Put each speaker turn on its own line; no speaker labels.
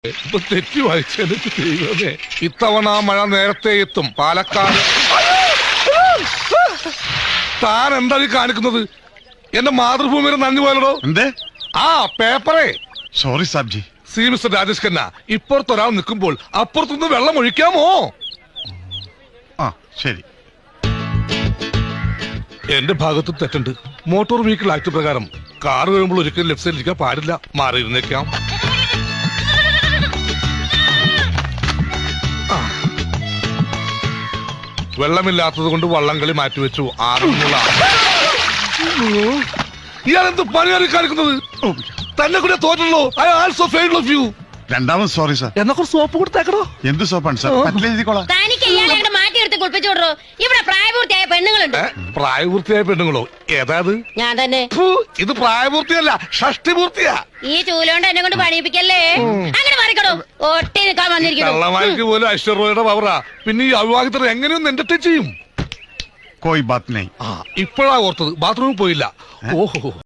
തെറ്റി വായിച്ചെന്നെ ദൈവമേ, ഇത്തവണ മഴ നേരത്തെ എത്തും. പാലക്കാട് താൻ എന്താ ഈ കാണിക്കുന്നത്? എന്റെ മാതൃഭൂമിയുടെ നന്ദി പോലടോ.
എന്തേ?
ആ പേപ്പറേ.
സോറി സാബ്ജി.
സി മിസ്റ്റർ രാജേഷ് ഖന്ന, ഇപ്പുറത്തൊരാൾ നിൽക്കുമ്പോൾ അപ്പുറത്തുനിന്ന് വെള്ളം ഒഴിക്കാമോ?
ആ ശരി.
എന്റെ ഭാഗത്തും തെറ്റുണ്ട്. മോട്ടോർ വെഹിക്കിൾ ആക്ട് പ്രകാരം കാർ വരുമ്പോൾ ഒരിക്കലും ലെഫ്റ്റ് സൈഡിൽ ഇരിക്കാൻ പാടില്ല. മാറിയിരുന്നേക്കാം. വെള്ളമില്ലാത്തത് കൊണ്ട് വള്ളംകളി മാറ്റിവെച്ചു. ആറന്മുള. ഇയാളെന്ത് പണിയാണ് കാണിക്കുന്നത്? തന്നെ കൂടെ തോറ്റല്ലോ. I also failed of you.
രണ്ടാമത് സോറി സാർ.
എന്നാ സോപ്പ് കൊടുത്തേക്കണോ?
എന്ത് സോപ്പാണ് സാർ? പറ്റിലെഴുതിക്കോളാം.
തനിക്ക് ഇയാളെ മാറ്റിയെടുത്ത് കുളിപ്പിച്ചോടോ. ഇവിടെ പ്രായപൂർത്തിയായ പെണ്ണുങ്ങളുണ്ട്.
പ്രായപൂർത്തിയായ പെണ്ണുങ്ങളോ? ഏതാത്?
ഞാൻ തന്നെ.
ഇത് പ്രായപൂർത്തിയല്ല, ഷഷ്ടിപൂർത്തിയാ.
ഈ ചൂലോണ്ട് എന്നെ കൊണ്ട് പണിയിപ്പിക്കല്ലേ. അങ്ങനെ മാറിക്കടോ. ഒട്ടി നിൽക്കാൻ വന്നിരിക്കുന്നു.
കള്ളമാർക്ക് പോലും ഐശ്വര്യയുടെ പവറാ. പിന്നെ ഈ അവിവാഹിതർ എങ്ങനെയൊന്നും എന്റർടൈൻ ചെയ്യും?
കോയി ബാത്ത് നഹീ.
ഇപ്പോഴാ ഓർത്തത്. ബാത്റൂമിൽ പോയില്ല. ഓഹോ.